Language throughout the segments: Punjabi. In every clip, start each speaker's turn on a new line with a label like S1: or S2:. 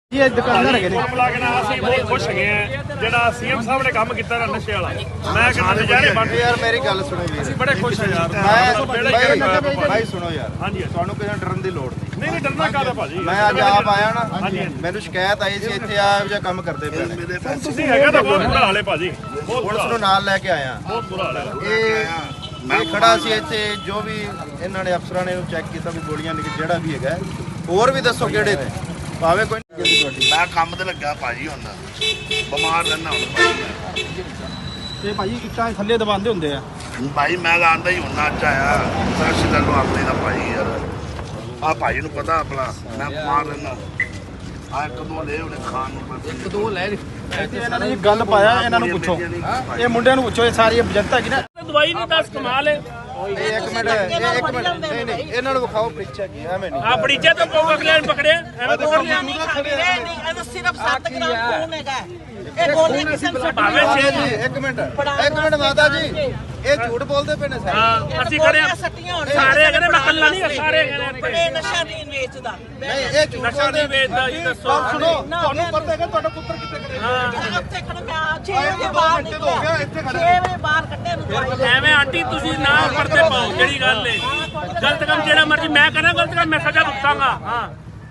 S1: ये दुकानदार है
S2: ਅਸੀਂ ਬਹੁਤ ਖੁਸ਼ ਹੈਗੇ ਆ ਜਿਹੜਾ ਸੀਐਮ ਸਾਹਿਬ ਨੇ ਕੰਮ ਕੀਤਾ ਨਾ ਨਸ਼ੇ ਵਾਲਾ। ਮੈਂ ਕਹਿੰਦਾ ਨਜ਼ਾਰੇ ਬਣ
S3: ਯਾਰ ਮੇਰੀ ਗੱਲ ਸੁਣੋ ਵੀਰ,
S2: ਅਸੀਂ ਬੜੇ ਖੁਸ਼ ਆ ਯਾਰ।
S3: ਭਾਈ ਸੁਣੋ ਯਾਰ,
S2: ਹਾਂਜੀ
S3: ਤੁਹਾਨੂੰ ਕਿਸੇ ਡਰਨ ਦੀ ਲੋੜ ਨਹੀਂ।
S2: ਨਹੀਂ ਡਰਨਾ ਕਾਹਦਾ ਭਾਜੀ।
S3: ਮੈਂ ਅੱਜ ਆਪ ਆਇਆ ਨਾ, ਮੈਨੂੰ ਸ਼ਿਕਾਇਤ ਆਈ ਸੀ ਇੱਥੇ ਆ ਜਿਹਾ ਕੰਮ ਕਰਦੇ ਪਏ ਨੇ।
S2: ਤੁਸੀਂ ਹੈਗਾ ਤਾਂ ਬਹੁਤ ਬੁਰਾ ਹਾਲ ਹੈ ਭਾਜੀ, ਬਹੁਤ
S3: ਪੁਲਿਸ ਨੂੰ ਨਾਲ ਲੈ ਕੇ ਆਇਆ।
S2: ਬਹੁਤ ਬੁਰਾ ਹਾਲ ਹੈ।
S3: ਇਹ ਖੜਾ ਸੀ ਇੱਥੇ, ਜੋ ਵੀ ਇਹਨਾਂ ਨੇ ਅਫਸਰਾਂ ਨੇ ਚੈੱਕ ਕੀਤਾ ਵੀ ਗੋਲੀਆਂ ਨਿਕਲ ਜਿਹੜਾ ਵੀ ਹੈਗਾ। ਹੋਰ ਵੀ ਦੱਸੋ ਕਿਹੜੇ ਨੇ, ਭਾਵੇਂ ਕੋਈ
S4: ਮੈਂ ਕੰਮ ਤੇ ਲੱਗਾ ਭਾਜੀ, ਹੁੰਦਾ ਬਿਮਾਰ ਰਹਿਣਾ ਹੁਣ
S1: ਤੇ ਭਾਜੀ ਇੱਟਾਂ ਥੱਲੇ ਦਬਾਉਂਦੇ ਹੁੰਦੇ ਆ।
S4: ਭਾਈ ਮੈਂ ਆਂਦਾ ਹੀ ਹੁੰਨਾ ਅੱਜ ਆਇਆ ਸਾਸ਼ੀ ਦਾ ਨੂੰ ਆਪਣੇ ਦਾ ਭਾਈ ਯਾਰ। ਆ ਭਾਈ ਨੂੰ ਪਤਾ ਆਪਣਾ ਮੈਂ ਬਿਮਾਰ ਰਹਿਣਾ। ਆ ਕਦੋਂ ਲੈ ਉਹਨੇ ਖਾਣ ਨੂੰ ਬਸ
S1: ਦੋ ਲੈ ਇੱਥੇ ਇਹਨਾਂ ਨੇ ਗੱਲ ਪਾਇਆ, ਇਹਨਾਂ ਨੂੰ ਪੁੱਛੋ, ਇਹ ਮੁੰਡਿਆਂ ਨੂੰ ਪੁੱਛੋ, ਇਹ ਸਾਰੀ ਜਨਤਾ ਕੀ ਨਾ
S2: ਦਵਾਈ ਨਹੀਂ ਦੱਸ ਕਮਾਲ ਹੈ।
S3: ਇੱਕ ਮਿੰਟ ਨਹੀਂ ਨਹੀਂ ਇਹਨਾਂ ਨੂੰ ਵਿਖਾਓ ਪ੍ਰੀਚਾ ਕੀ ਐਵੇਂ ਨਹੀਂ।
S2: ਆ ਬੜੀਚੇ ਤੋਂ ਪੋਕ ਅਗਲੇ ਨੇ ਪਕੜਿਆ ਐਵੇਂ ਤਾਂ
S5: ਨਹੀਂ ਖਾਂਦੇ ਨਹੀਂ, ਇਹ ਸਿਰਫ 7 ਗ੍ਰਾਮ ਖੂਨ ਹੈਗਾ। ਇਹ ਗੋਲੀ ਕਿਸੇ ਨੂੰ
S2: ਭਾਵੇਂ ਛੇ
S3: ਜੀ ਇੱਕ ਮਿੰਟ ਮਾਤਾ ਜੀ, ਇਹ ਝੂਠ ਬੋਲਦੇ ਪਏ ਨੇ ਸਾਰੇ।
S2: ਹਾਂ ਅਸੀਂ ਖੜੇ ਆ ਸਾਰੇ ਕਹਿੰਦੇ ਮੈਂ ਕੱਲਾ ਨਹੀਂ, ਸਾਰੇ ਕਹਿੰਦੇ
S5: ਇਹ ਨਸ਼ਾ ਨਹੀਂ ਵੇਚਦਾ।
S3: ਨਹੀਂ ਇਹ ਝੂਠ
S2: ਨਸ਼ਾ ਨਹੀਂ ਵੇਚਦਾ ਜੀ। ਦੱਸੋ
S1: ਸੁਣੋ, ਤੁਹਾਨੂੰ ਪਤਾ ਹੈਗਾ ਤੁਹਾਡਾ ਪੁੱਤਰ ਕਿੱਥੇ ਕਰਿਆ?
S5: ਇੱਥੇ ਖੜਾ ਮੈਂ 6 ਵਜੇ ਬਾਹਰ ਨਿਕਲਿਆ, 6 ਵਜੇ ਬਾਹਰ ਕੱਢਿਆ ਨੂੰ ਦਵਾਈ ਲੈ।
S2: ਐਵੇਂ ਆਂਟੀ ਤੁਸੀਂ ਨਾ ਪਰਦੇ ਪਾਓ, ਜਿਹੜੀ ਗੱਲ ਏ ਗਲਤ ਕੰਮ ਜਿਹੜਾ ਮਰਜੀ ਮੈਂ ਕਰਾਂ, ਗਲਤ ਕੰਮ ਮੈਂ ਸਜ਼ਾ ਭੁਗਤਾਂਗਾ। ਹਾਂ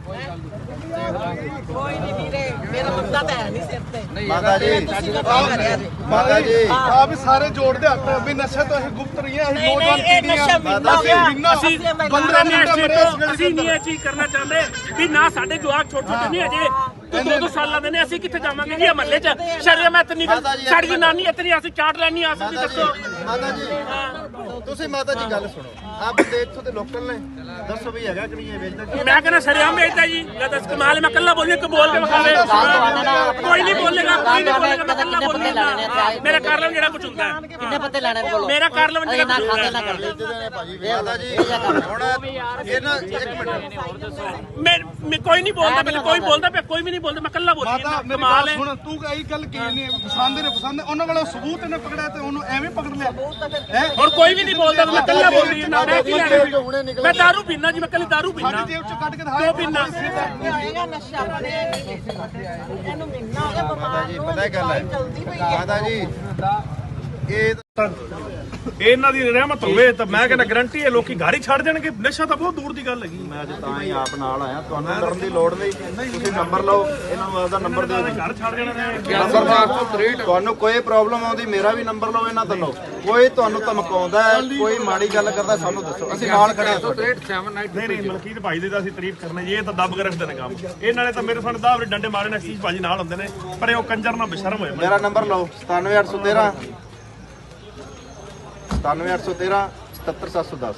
S5: ਕੋਈ ਨਹੀਂ ਵੀਰੇ, ਮੇਰਾ ਬੰਦਾ ਤਾਂ ਹੈ ਨਹੀਂ ਸਿਰ ਤੇ।
S3: ਮਾਤਾ ਜੀ,
S5: ਤੁਸੀਂ ਕਿਉਂ ਕਰਿਆ ਜੀ?
S3: ਮਾਤਾ ਜੀ
S1: ਆ ਵੀ ਸਾਰੇ ਜੋੜਦੇ ਹੱਥ ਵੀ ਨਸ਼ਾ ਤੋਂ ਅਸੀਂ ਗੁਪਤ ਰਹੀਆਂ, ਅਸੀਂ
S5: ਨਹੀਂ
S1: ਨੌਜਵਾਨ
S5: ਨਹੀਂ, ਇਹ
S1: ਪੀੜ੍ਹੀ
S5: ਨਸ਼ਾ
S1: ਆ।
S5: ਮਹੀਨਾ ਹੋ ਗਿਆ।
S2: ਅਸੀਂ
S1: ਬੰਦਰਾਂ ਨੇ
S2: ਅਸੀਂ ਨਹੀਂ ਇਹ ਚੀਜ਼ ਕਰਨਾ ਚਾਹੁੰਦੇ ਵੀ ਨਾ ਸਾਡੇ ਜਵਾਕ ਛੋਟੇ ਛੋਟੇ ਨਹੀਂ ਅਜੇ ਤੇ 2-2 ਸਾਲਾਂ ਦੇ ਨੇ। ਅਸੀਂ ਕਿੱਥੇ ਜਾਵਾਂਗੇ ਜੀ ਮਹੱਲੇ 'ਚ? ਸ਼ਰਮ ਐ ਇਤਨੀ ਸਾਡੀ ਜਨਾਨੀ ਇਤਨੀ ਅਸੀਂ ਚਾਟ ਲੈਣੀ ਆ ਸਕਦੀ। ਦੱਸੋ
S3: ਮਾਤਾ ਜੀ, ਤੁਸੀਂ ਮਾਤਾ ਜੀ ਗੱਲ ਸੁਣੋ, ਆ ਬੰਦੇ ਇੱਥੋਂ ਦੇ ਲੋਕਲ ਨੇ, ਦੱਸੋ ਵੀ ਹੈਗਾ ਕਿ ਨਹੀਂ ਇਹ ਵੇਚਦਾ?
S2: ਮੈਂ ਕਹਿੰਦਾ ਸ਼ਰਿਆਮ ਵੇਚਦਾ ਜੀ। ਜਾਂ ਦੱਸ ਕਮਾਲ, ਮੈਂ ਕੱਲਾ ਬੋਲੇ ਕਿ ਬੋਲ ਕੇ ਵਿਖਾਵੇ। ਕੋਈ ਨਹੀਂ ਬੋਲੇਗਾ, ਕੋਈ ਨਹੀਂ ਬੋਲੇਗਾ, ਮੈਂ ਕੱਲਾ ਬੋਲੂੰਗਾ। ਮੇਰਾ ਕਾਰਲਮ ਜਿਹੜਾ ਕੁਝ ਹੁੰਦਾ ਹੈ,
S6: ਕਿੰਨੇ ਪੱਤੇ ਲੈਣੇ ਨੇ ਬੋਲੋ।
S2: ਮੇਰਾ ਕਾਰਲਮ ਜਿਹੜਾ
S6: ਨਾ
S2: ਕੁਝ
S6: ਖਾਂਦੇ
S2: ਹੁੰਦਾ
S6: ਨਾ ਕਰਦੇ।
S3: ਮਾਤਾ ਜੀ ਹੁਣ ਇਹ ਨਾ ਇੱਕ ਮਿੰਟ,
S2: ਮੈਂ ਕੋਈ ਨਹੀਂ ਬੋਲਦਾ, ਪਹਿਲੇ ਕੋਈ ਬੋਲਦਾ ਪਿਆ, ਕੋਈ ਵੀ ਨਹੀਂ ਬੋਲਦਾ, ਮੈਂ ਕੱਲਾ ਬੋਲੀ
S1: ਮਾਤਾ ਮੇਰੀ
S2: ਕਮਾਲ
S1: ਗੱਲ
S2: ਹੈ।
S1: ਸੁਣ, ਤੂੰ ਕਹੀ ਗੱਲ ਕੀ ਨਹੀਂ ਪਸੰਦ ਨੇ ਪਸੰਦ, ਉਹਨਾਂ ਕੋਲ ਸਬੂਤ ਇਹਨੇ ਪਕੜਿਆ ਤੇ ਉਹਨੂੰ ਐਵੇਂ ਪਕੜ ਲਿਆ।
S2: ਹੁਣ ਕੋਈ ਵੀ ਨਹੀਂ ਬੋਲਦਾ, ਮੈਂ ਕੱਲਾ ਬੋਲੀ ਨਾ। ਮੈਂ ਕੀ ਲੈਣਾ? ਮੈਂ ਦਾਰੂ ਪੀਣਾ ਜੀ, ਮੈਂ ਕੱਲੀ ਦਾਰੂ ਪੀਣਾ।
S1: ਸਾਡੀ ਜੇਬ ਚੋਂ ਕੱਢ ਕੇ
S2: ਕਿਉਂ ਪੀਣਾ?
S5: ਹੋਏਗਾ ਨਸ਼ਾ ਇਹਨੂੰ ਮਹੀਨਾ ਹੋ ਗਿਆ
S3: ਮਾਤਾ
S5: ਬਿਮਾਰ
S3: ਜੀ
S5: ਨੂੰ।
S3: ਪਤਾ ਕੀ ਗੱਲ ਹੈ
S5: ਚਲਦੀ ਪਈ ਹੈ।
S3: ਮਾਤਾ ਜੀ, ਇਹ
S2: ਇਹਨਾਂ ਦੀ ਰਹਿਮਤ ਹੋਵੇ ਤਾਂ ਮੈਂ ਕਹਿੰਦਾ ਗਰੰਟੀ ਹੈ ਲੋਕੀ ਘਰ ਹੀ ਛੱਡ ਜਾਣਗੇ। ਨਸ਼ਾ ਤਾਂ ਬਹੁਤ ਦੂਰ ਦੀ ਗੱਲ ਹੈਗੀ।
S3: ਮੈਂ ਅੱਜ ਤਾਂ ਹੀ ਆਪ ਨਾਲ ਆਇਆ, ਤੁਹਾਨੂੰ ਡਰਨ ਦੀ ਲੋੜ ਨਹੀਂ। ਤੁਸੀਂ ਨੰਬਰ ਲਓ, ਇਹਨਾਂ ਨੂੰ ਆਪਦਾ ਨੰਬਰ ਦਿਓ ਜੀ।
S2: ਘਰ ਛੱਡ ਜਾਣਾ ਨੇ।
S3: ਤੁਹਾਨੂੰ ਕੋਈ ਪ੍ਰੋਬਲਮ ਆਉਂਦੀ ਮੇਰਾ ਵੀ ਨੰਬਰ ਲਓ, ਇਹਨਾਂ ਤੋਂ ਲਓ। ਕੋਈ ਤੁਹਾਨੂੰ ਧਮਕਾਉਂਦਾ ਹੈ, ਕੋਈ ਮਾੜੀ ਗੱਲ ਕਰਦਾ, ਸਾਨੂੰ ਦੱਸੋ, ਅਸੀਂ ਨਾਲ ਖੜੇ ਹਾਂ ਤੁਹਾਡੇ।
S2: ਨਹੀਂ ਨਹੀਂ, ਮਲਕੀਤ ਭਾਈ ਦੀ ਤਾਂ ਅਸੀਂ ਤਾਰੀਫ ਕਰਨੀ ਜੀ। ਇਹ ਤਾਂ ਦੱਬ ਕੇ ਰੱਖਦੇ ਨੇ ਕੰਮ। ਇਹਨਾਂ ਨੇ ਤਾਂ ਮੇਰੇ ਸਾਹਮਣੇ ਦਾਵਰੇ ਡੰਡੇ ਮਾਰੇ ਨੇ। ਅਸੀਸ ਭਾਜੀ ਨਾਲ ਹੁੰਦੇ ਨੇ, ਪਰ ਉਹ ਕੰਜਰ ਨਾਲ ਬੇਸ਼ਰਮ ਹੋਏ।
S3: ਮੇਰਾ ਨੰਬਰ ਲਓ 97813 97813 77710।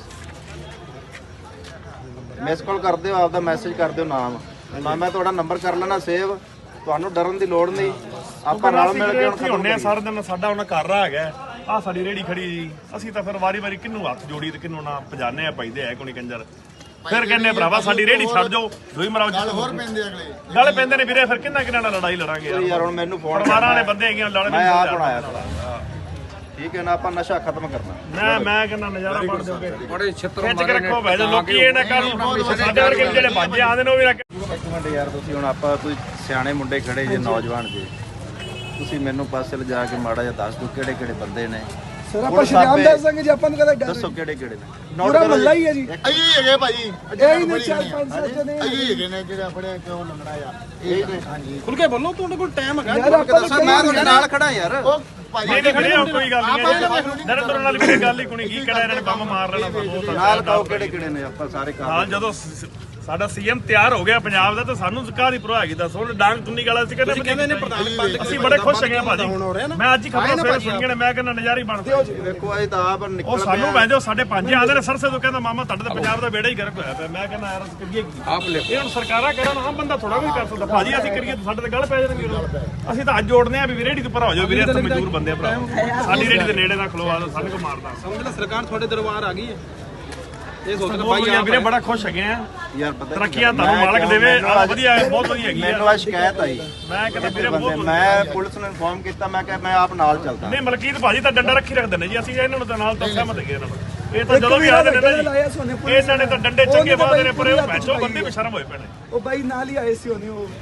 S3: ਮਿਸ ਕਾਲ ਕਰ ਦਿਓ, ਆਪਦਾ ਮੈਸੇਜ ਕਰ ਦਿਓ, ਨਾਮ ਮੈਂ ਤੁਹਾਡਾ ਨੰਬਰ ਕਰ ਲੈਣਾ ਸੇਵ। ਤੁਹਾਨੂੰ ਡਰਨ ਦੀ ਲੋੜ ਨਹੀਂ, ਆਪਾਂ ਨਾਲ ਮਿਲ ਕੇ
S2: ਹੁਣ ਹੁੰਨੇ ਆ ਸਾਰਾ ਦਿਨ। ਸਾਡਾ ਉਹਨਾਂ ਘਰ ਰਾ ਹੈਗਾ, ਆ ਸਾਡੀ ਰੇੜੀ ਖੜੀ ਜੀ। ਅਸੀਂ ਤਾਂ ਫਿਰ ਵਾਰੀ-ਵਾਰੀ ਕਿਹਨੂੰ ਹੱਥ ਜੋੜੀ ਤੇ ਕਿਹਨੂੰ ਨਾ ਪਜਾਨੇ ਆ ਪੈਂਦੇ ਆ ਕੋਈ ਕੰਜਰ। ਫਿਰ ਕਹਿੰਦੇ ਭਰਾਵਾ ਸਾਡੀ ਰੇੜੀ ਛੱਡ ਜਾਓ, ਦੋਈ ਮਰਾਓ ਜੀ। ਹੋਰ ਪੈਂਦੇ ਅਗਲੇ ਗੱਲ ਪੈਂਦੇ ਨੇ ਵੀਰੇ, ਫਿਰ ਕਿੰਨਾ ਨਾਲ ਲੜਾਈ ਲੜਾਂਗੇ
S3: ਯਾਰ। ਹੁਣ ਮੈਨੂੰ ਫੋਨ
S2: ਪਰਿਵਾਰਾਂ ਵਾਲੇ ਬੰਦੇ ਹੈਗੇ ਲੜ
S3: ਮੈਂ ਆਪ ਬਣਾਇਆ ਠੀਕ ਹੈ ਨਾ, ਆਪਾਂ ਨਸ਼ਾ ਖਤਮ ਕਰਨਾ।
S2: ਮੈਂ ਕਹਿੰਦਾ ਨਜ਼ਾਰਾ ਬਣ ਜਾਓਗੇ। ਬੜੇ ਛਿੱਤਰ ਖਿੱਚ ਕੇ ਰੱਖੋ ਭਾਈ, ਲੋਕੀ ਇਹ ਨਾ ਕਰਨ ਸਾਡੇ ਵਰਗੇ ਜਿਹੜੇ ਬਾਜੇ ਆਉਂਦੇ ਨੇ ਉਹ ਵੀ ਨਾ।
S3: ਇੱਕ ਮਿੰਟ ਯਾਰ, ਤੁਸੀਂ ਹੁਣ ਆਪਾਂ ਕੋਈ ਸਿਆਣੇ ਮੁੰਡੇ ਖੜੇ ਜੇ, ਨੌਜਵਾਨ ਜੇ, ਤੁਸੀਂ ਮੈਨੂੰ ਪਾਸੇ ਲਿਜਾ ਕੇ ਮਾੜਾ ਜਿਹਾ ਦੱਸ ਦਿਓ ਕਿਹੜੇ ਕਿਹੜੇ ਬੰਦੇ ਨੇ।
S1: ਸਰ ਆਪਾਂ ਸ਼ਰਿਆਮ ਦੱਸ ਦਾਂਗੇ ਜੀ, ਆਪਾਂ ਨੂੰ ਕਦੇ ਡਰ
S3: ਦੱਸੋ ਕਿਹੜੇ ਕਿਹੜੇ ਨੇ।
S1: ਪੂਰਾ ਮੱਲਾ ਹੀ ਹੈ ਜੀ।
S4: ਅਈ ਹੈਗੇ ਭਾਈ,
S1: ਇਹ ਹੀ ਨੇ 4-5 ਜਣੇ।
S4: ਅਈ ਹੈਗੇ ਨੇ ਜਿਹੜੇ ਆਪਣੇ ਕਿਉਂ ਲੰਗੜਾ ਆ।
S3: ਇਹ ਨੇ। ਹਾਂਜੀ
S1: ਖੁੱਲ ਕੇ ਬੋਲੋ, ਤੁਹਾਡੇ ਕੋਲ ਟਾਈਮ ਹੈਗਾ।
S3: ਯਾਰ ਆਪਾਂ ਦੱਸੋ, ਮੈਂ ਤੁਹਾਡੇ ਨਾਲ ਖੜਾ ਯਾਰ।
S2: ਨਹੀਂ ਨਹੀਂ ਵੀਰੇ, ਕੋਈ ਗੱਲ ਨਹੀਂ। ਨਰਿੰਦਰ ਨਾਲ ਵੀ ਗੱਲ ਹੀ ਕੋਈ ਕੀ ਕਿਹੜਾ ਇਹਨਾਂ ਨੇ ਬੰਮ ਮਾਰ ਲੈਣਾ ਸਾਨੂੰ।
S3: ਨਾਲ ਕਹੋ ਕਿਹੜੇ ਕਿਹੜੇ ਨੇ, ਆਪਾਂ ਸਾਰੇ ਕੰਮ।
S2: ਹਾਂ, ਜਦੋਂ ਸਾਡਾ ਸੀਐਮ ਤਿਆਰ ਹੋ ਗਿਆ ਪੰਜਾਬ ਦਾ ਤਾਂ ਸਾਨੂੰ ਕਾਹਦੀ ਪਰਵਾਹ ਹੈਗੀ। ਦੱਸੋ ਡਾਂਗ ਤੁੰਨੀ ਗਾਲਾ ਸੀ ਕਹਿੰਦੇ ਨੇ ਪ੍ਰਧਾਨ। ਅਸੀਂ ਬੜੇ ਖੁਸ਼ ਹੈਗੇ ਭਾਜੀ। ਮੈਂ ਅੱਜ ਹੀ ਖਬਰਾਂ ਸਵੇਰੇ ਸੁਣੀਆਂ ਨੇ, ਮੈਂ ਕਹਿੰਦਾ ਨਜ਼ਾਰੇ ਬਣਦੇ।
S3: ਦੇਖੋ ਇਹ ਤਾਂ ਆਪ
S2: ਉਹ
S3: ਨਿਕਲ
S2: ਸਾਨੂੰ ਵੈਂਦੇ ਸਾਡੇ ਪੰਜ ਆਂਦੇ ਨੇ ਸਰਸੇ ਤੋਂ, ਕਹਿੰਦਾ ਮਾਮਾ ਤੁਹਾਡੇ ਤਾਂ ਪੰਜਾਬ ਦਾ ਬੇੜਾ ਹੀ ਗਰਕ ਹੋਇਆ ਪਿਆ। ਮੈਂ ਕਹਿੰਦਾ ਯਾਰ ਕਰੀਏ ਕੀ? ਇਹ ਹੁਣ ਸਰਕਾਰਾਂ ਕਰਨ, ਆਮ ਬੰਦਾ ਥੋੜਾ ਵੀ ਕਰ ਸਕਦਾ ਭਾਜੀ। ਅਸੀਂ ਕਰੀਏ ਤਾਂ ਸਾਡੇ ਤੇ ਗੱਲ ਪੈ ਜਾਣਗੇ। ਅਸੀਂ ਤਾਂ ਅੱਜ ਜੋੜਨੇ ਆ ਵੀ ਰੇੜੀ ਤੋਂ ਭਰਾ ਹੋ ਜਾਓ ਵੀਰੇ, ਅਸੀਂ ਮਜ਼ਦੂਰ ਬੰਦੇ ਆ ਭਰਾ। ਸਾਡੀ ਰੇੜੀ ਦੇ ਨੇੜੇ ਨਾ ਖਲੋਆ ਦੋ, ਸਾਨੂੰ ਕੋ ਮਾਰਦਾ।
S1: ਸਮਝ ਲੈ ਸਰਕਾਰ ਤੁਹਾਡੇ ਦਰਬਾਰ ਆ ਗਈ ਹੈ। ਇਹ ਸੋਚਦਾ
S2: ਭਾਈ ਵੀਰੇ ਬੜਾ ਖੁਸ਼ ਹੈਗੇ ਆ।
S3: ਯਾਰ ਪਤਾ
S2: ਤਰੱਕੀਆਂ ਤੁਹਾਨੂੰ ਮਾਲਕ ਦੇਵੇ। ਆ ਵਧੀਆ ਹੈ, ਬਹੁਤ ਵਧੀਆ ਹੈਗੀ
S3: ਮੈਨੂੰ
S2: ਆ।
S3: ਆ ਸ਼ਿਕਾਇਤ ਆਈ,
S2: ਮੈਂ ਕਹਿੰਦਾ ਵੀਰੇ
S3: ਬੰਦੇ,
S2: ਬਹੁਤ
S3: ਮੈਂ ਪੁਲਿਸ ਨੂੰ ਇਨਫੋਰਮ ਕੀਤਾ, ਮੈਂ ਕਿਹਾ ਮੈਂ ਆਪ ਨਾਲ ਚੱਲਦਾ।
S2: ਨਹੀਂ ਮਲਕੀਤ ਭਾਜੀ ਤਾਂ ਡੰਡਾ ਰੱਖੀ ਰੱਖਦੇ ਨੇ ਜੀ। ਅਸੀਂ ਇਹਨਾਂ ਨੂੰ ਤਾਂ ਨਾਲ ਤਾਂ ਸਹਿਮਤ ਹੈਗੇ ਇਹਨਾਂ ਨੂੰ। ਇਹ ਤਾਂ ਜਦੋਂ ਵੀ ਆਦੇ ਨੇ ਨਾ ਜੀ, ਇਹਨਾਂ ਨੇ ਤਾਂ ਡੰਡੇ ਚੰਗੇ ਬਾਦੇ ਨੇ, ਪਰ ਉਹ ਭੈਚੋ ਬੰਦੇ ਬੇਸ਼ਰਮ ਹੋਏ ਪਏ ਨੇ।
S1: ਉਹ ਬਾਈ ਨਾਲ ਹੀ ਆਏ ਸੀ ਉਹਨੇ, ਉਹ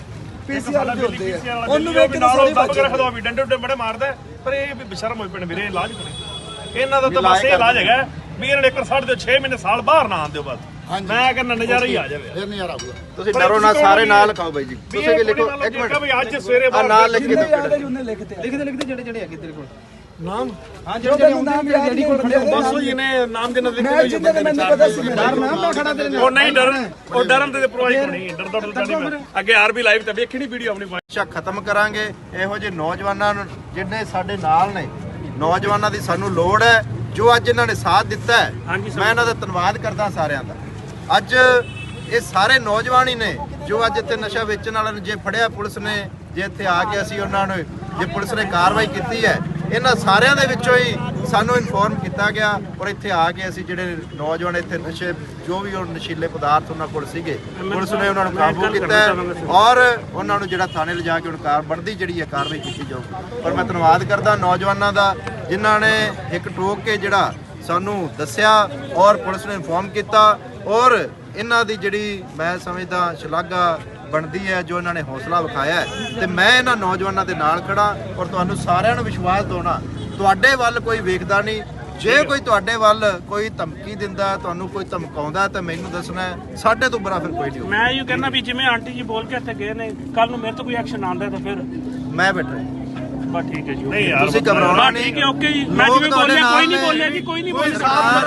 S2: ਪੀਸੀਆਰ ਦੇ ਹੁੰਦੇ ਆ ਉਹਨੂੰ ਵੇਖ ਕੇ ਨਾਲ ਦੱਬ ਕੇ ਰੱਖਦਾ ਵੀ ਡੰਡੇ ਬੜੇ ਮਾਰਦਾ ਪਰ ਇਹ ਵੀ ਬਸ਼ਰਮ ਹੋਈ ਪਏ ਵੀਰੇ ਇਲਾਜ ਕਰੇ ਇਹਨਾਂ ਦਾ ਤਾਂ ਬਸ ਇਹ ਇਲਾਜ ਹੈਗਾ ਵੀ ਇਹਨਾਂ ਨੇ 1.5 ਦੇ 6 ਮਹੀਨੇ ਸਾਲ ਬਾਹਰ ਨਾ ਆਉਂਦੇ ਬਸ ਮੈਂ ਕਹਿੰਦਾ ਨਜ਼ਾਰਾ ਹੀ ਆ ਜਾਵੇ
S1: ਫਿਰ ਨਜ਼ਾਰਾ ਆਊਗਾ
S3: ਤੁਸੀਂ ਡਰੋ ਨਾ, ਸਾਰੇ ਨਾਲ ਲਿਖਾਓ ਬਾਈ ਜੀ, ਤੁਸੀਂ ਵੀ ਲਿਖੋ ਇੱਕ ਮਿੰਟ
S2: ਵੀ ਅੱਜ ਸਵੇਰੇ
S3: ਆ ਨਾਲ ਲਿਖ ਕੇ ਦਿਓ
S1: ਲਿਖਦੇ ਜਿਹੜੇ ਹੈਗੇ ਤੇਰੇ ਕੋਲ
S2: ਨਾਮ
S1: ਹਾਂ ਜਿਹੜੇ ਨਾਮ ਜਿਹੜੀ ਕੋਲ ਖੜੇ
S2: ਬਸ ਉਹ ਇਹਨੇ ਨਾਮ ਦੇ ਨਾਲ ਲਿਖ
S1: ਮੈਂ ਜਿੱਦਾਂ ਦੇ ਮੈਨੂੰ ਪਤਾ ਸੀ ਡਰ ਨਾ ਮੈਂ ਖੜਾ ਤੇਰੇ ਨਾਲ
S2: ਉਹ ਨਹੀਂ ਡਰਨ ਉਹ ਡਰਨ ਤੇ ਪ੍ਰੋਵਾਈਡ ਨਹੀਂ ਡਰਦਾ ਨਹੀਂ ਮੈਂ ਅੱਗੇ ਆਰਬੀ ਲਾਈਵ ਤੇ ਵੇਖਣੀ ਵੀਡੀਓ ਆਪਣੀ
S3: ਨਸ਼ਾ ਖਤਮ ਕਰਾਂਗੇ। ਇਹੋ ਜਿਹੇ ਨੌਜਵਾਨਾਂ ਨੂੰ ਜਿੰਨੇ ਸਾਡੇ ਨਾਲ ਨੇ, ਨੌਜਵਾਨਾਂ ਦੀ ਸਾਨੂੰ ਲੋੜ ਹੈ ਜੋ ਅੱਜ ਇਹਨਾਂ ਨੇ ਸਾਥ ਦਿੱਤਾ ਹੈ। ਮੈਂ ਇਹਨਾਂ ਦਾ ਧੰਨਵਾਦ ਕਰਦਾ ਸਾਰਿਆਂ ਦਾ। ਅੱਜ ਇਹ ਸਾਰੇ ਨੌਜਵਾਨ ਹੀ ਨੇ ਜੋ ਅੱਜ ਇੱਥੇ ਨਸ਼ਾ ਵੇਚਣ ਵਾਲਿਆਂ ਨੂੰ ਜੇ ਫੜਿਆ ਪੁਲਿਸ ਨੇ, ਜੇ ਇੱਥੇ ਆ ਕੇ ਅਸੀਂ ਉਹਨਾਂ ਨੂੰ ਜੇ ਪੁਲਿਸ ਨੇ ਕਾਰਵਾਈ ਕੀਤੀ ਹੈ, ਇਹਨਾਂ ਸਾਰਿਆਂ ਦੇ ਵਿੱਚੋਂ ਹੀ ਸਾਨੂੰ ਇਨਫੋਰਮ ਕੀਤਾ ਗਿਆ ਔਰ ਇੱਥੇ ਆ ਕੇ ਅਸੀਂ ਜਿਹੜੇ ਨੌਜਵਾਨ ਇੱਥੇ ਨਸ਼ੇ ਜੋ ਵੀ ਉਹ ਨਸ਼ੀਲੇ ਪਦਾਰਥ ਉਹਨਾਂ ਕੋਲ ਸੀਗੇ, ਪੁਲਿਸ ਨੇ ਉਹਨਾਂ ਨੂੰ ਕਾਬੂ ਕੀਤਾ ਔਰ ਉਹਨਾਂ ਨੂੰ ਜਿਹੜਾ ਥਾਣੇ ਲਿਜਾ ਕੇ ਹੁਣ ਬਣਦੀ ਜਿਹੜੀ ਹੈ ਕਾਰਵਾਈ ਕੀਤੀ ਜਾਊਗੀ। ਪਰ ਮੈਂ ਧੰਨਵਾਦ ਕਰਦਾ ਨੌਜਵਾਨਾਂ ਦਾ ਜਿਨ੍ਹਾਂ ਨੇ ਇੱਕ ਟੋਕ ਕੇ ਜਿਹੜਾ ਸਾਨੂੰ ਦੱਸਿਆ ਔਰ ਪੁਲਿਸ ਨੇ ਇਨਫੋਰਮ ਕੀਤਾ ਔਰ ਇਹਨਾਂ ਦੀ ਜਿਹੜੀ ਮੈਂ ਸਮਝਦਾ ਸ਼ਲਾਘਾ ਬਣਦੀ ਹੈ ਜੋ ਇਹਨਾਂ ਨੇ ਹੌਸਲਾ ਵਿਖਾਇਆ ਹੈ। ਤੇ ਮੈਂ ਇਹਨਾਂ ਨੌਜਵਾਨਾਂ ਦੇ ਨਾਲ ਖੜਾ ਔਰ ਤੁਹਾਨੂੰ ਸਾਰਿਆਂ ਨੂੰ ਵਿਸ਼ਵਾਸ ਦਿਵਾਉਣਾ, ਤੁਹਾਡੇ ਵੱਲ ਕੋਈ ਵੇਖਦਾ ਨਹੀਂ। ਜੇ ਕੋਈ ਤੁਹਾਡੇ ਵੱਲ ਕੋਈ ਧਮਕੀ ਦਿੰਦਾ, ਤੁਹਾਨੂੰ ਕੋਈ ਧਮਕਾਉਂਦਾ ਤਾਂ ਮੈਨੂੰ ਦੱਸਣਾ ਹੈ, ਸਾਡੇ ਤੋਂ ਬੁਰਾ ਫਿਰ ਕੋਈ ਨਹੀਂ ਹੋਊ।
S6: ਮੈਂ ਇਹ ਕਹਿੰਦਾ ਵੀ ਜਿਵੇਂ ਆਂਟੀ ਜੀ ਬੋਲ ਕੇ ਇੱਥੇ ਗਏ ਨੇ, ਕੱਲ ਨੂੰ ਮੇਰੇ ਤੋਂ ਕੋਈ ਐਕਸ਼ਨ ਆਉਂਦਾ ਤਾਂ ਫਿਰ
S3: ਮੈਂ ਬੈਠਾ
S6: ਬਸ ਠੀਕ ਹੈ ਜੀ
S2: ਨਹੀਂ ਯਾਰ
S3: ਤੁਸੀਂ ਘਬਰਾਉਣਾ
S6: ਠੀਕ
S3: ਨਹੀਂ।
S6: ਹੈ ਓਕੇ ਜੀ। ਮੈਂ ਜਿਵੇਂ ਬੋਲਿਆ ਕੋਈ ਨਹੀਂ ਬੋਲਿਆ ਜੀ, ਕੋਈ ਨਹੀਂ ਬੋਲਿਆ।